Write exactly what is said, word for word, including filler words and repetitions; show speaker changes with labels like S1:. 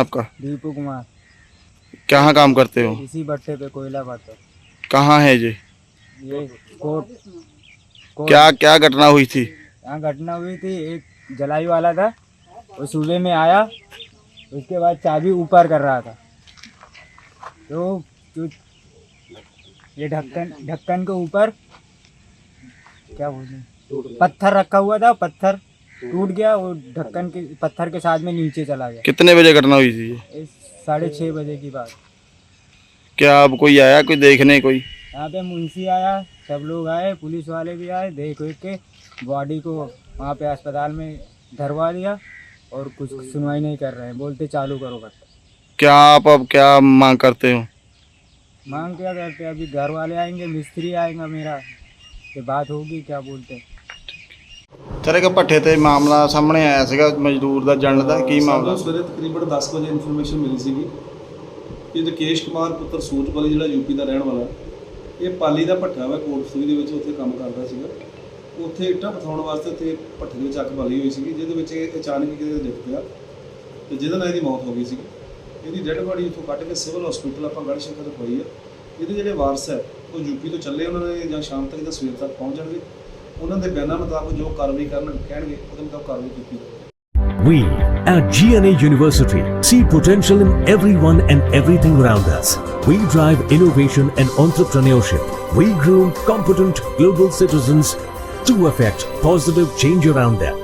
S1: आपका?
S2: दीपू कुमार।
S1: कहाँ काम करते हो?
S2: इसी भट्टे पे कोयला भट्टे।
S1: कहाँ है ये?
S2: ये कोट कोट
S1: क्या क्या घटना हुई थी?
S2: यहाँ घटना हुई थी, एक जलाई वाला था, वो सुबह में आया, उसके बाद चाबी ऊपर कर रहा था, तो जो ये ढक्कन ढक्कन के ऊपर क्या बोलते पत्थर रखा हुआ था, पत्थर टूट गया, वो ढक्कन के पत्थर के साथ में नीचे चला गया।
S1: कितने बजे घटना हुई थी ये?
S2: इस साढ़े छः बजे की बात।
S1: क्या अब कोई आया, कोई देखने? कोई
S2: यहाँ पे मुंशी आया, सब लोग आए, पुलिस वाले भी आए, देख देख के बॉडी को वहाँ पे अस्पताल में धरवा दिया और कुछ सुनवाई नहीं कर रहे हैं, बोलते चालू करो बस।
S1: क्या आप अब क्या मांग करते हो?
S2: मांग क्या करते हैं, अभी घर वाले आएंगे, मिस्त्री आएगा मेरा, ये बात होगी, क्या बोलते हैं।
S1: ਤੇਰੇ ਕੋ ਭੱਠੇ ਤੇ ਮਾਮਲਾ ਸਾਹਮਣੇ ਆਇਆ ਸੀਗਾ ਮਜ਼ਦੂਰ ਦਾ ਜਣ ਦਾ ਕੀ ਮਾਮਲਾ?
S3: ਸਾਨੂੰ ਸਵੇਰੇ ਤਕਰੀਬਨ ਦਸ ਵਜੇ ਇਨਫੋਰਮੇਸ਼ਨ ਮਿਲੀ ਸੀਗੀ ਕਿ ਰਕੇਸ਼ ਕੁਮਾਰ ਪੁੱਤਰ ਸੂਰਜਪਾਲੀ ਜਿਹੜਾ ਯੂਪੀ ਦਾ ਰਹਿਣ ਵਾਲਾ, ਇਹ ਪਾਲੀ ਦਾ ਭੱਠਾ ਵਾ ਕੋਟਸੂਰੀ ਦੇ ਵਿੱਚ, ਉੱਥੇ ਕੰਮ ਕਰਦਾ ਸੀਗਾ। ਉੱਥੇ ਇੱਟਾਂ ਪਥਾਉਣ ਵਾਸਤੇ ਉੱਥੇ ਭੱਠੇ ਦੇ ਵਿੱਚ ਅੱਗ ਬਾਲੀ ਹੋਈ ਸੀਗੀ, ਜਿਹਦੇ ਵਿੱਚ ਇਹ ਅਚਾਨਕ ਹੀ ਕਿਤੇ ਡਿੱਗ ਪਿਆ ਤੇ ਜਿਹਦੇ ਨਾਲ ਇਹਦੀ ਮੌਤ ਹੋ ਗਈ ਸੀ। ਇਹਦੀ ਡੈੱਡ ਬਾਡੀ ਉੱਥੋਂ ਕੱਢ ਕੇ ਸਿਵਲ ਹਸਪੀਟਲ ਆਪਾਂ ਗੜ੍ਹ ਸ਼ੰਕਰ ਰਖਵਾਈ ਆ। ਇਹਦੇ ਜਿਹੜੇ ਵਾਰਸ ਹੈ ਉਹ ਯੂਪੀ ਤੋਂ ਚੱਲੇ, ਉਹਨਾਂ ਨੇ ਜਾਂ ਸ਼ਾਮ ਤੱਕ ਜਾਂ ਸਵੇਰ ਤੱਕ ਪਹੁੰਚ ਜਾਣਗੇ। ਉਹਨਾਂ ਦੇ ਬਿਆਨਾਂ ਮੁਤਾਬਕ ਜੋ ਕਾਰਵਾਈ ਕਰਨ ਕਹਿਣਗੇ ਉਹਦੇ ਮੁਤਾਬਕ ਕਾਰਵਾਈ ਕੀਤੀ ਜਾਵੇਗੀ।
S4: We at G N A University see potential in everyone and everything around us. We drive innovation and entrepreneurship. We groom competent global citizens to affect positive change around them.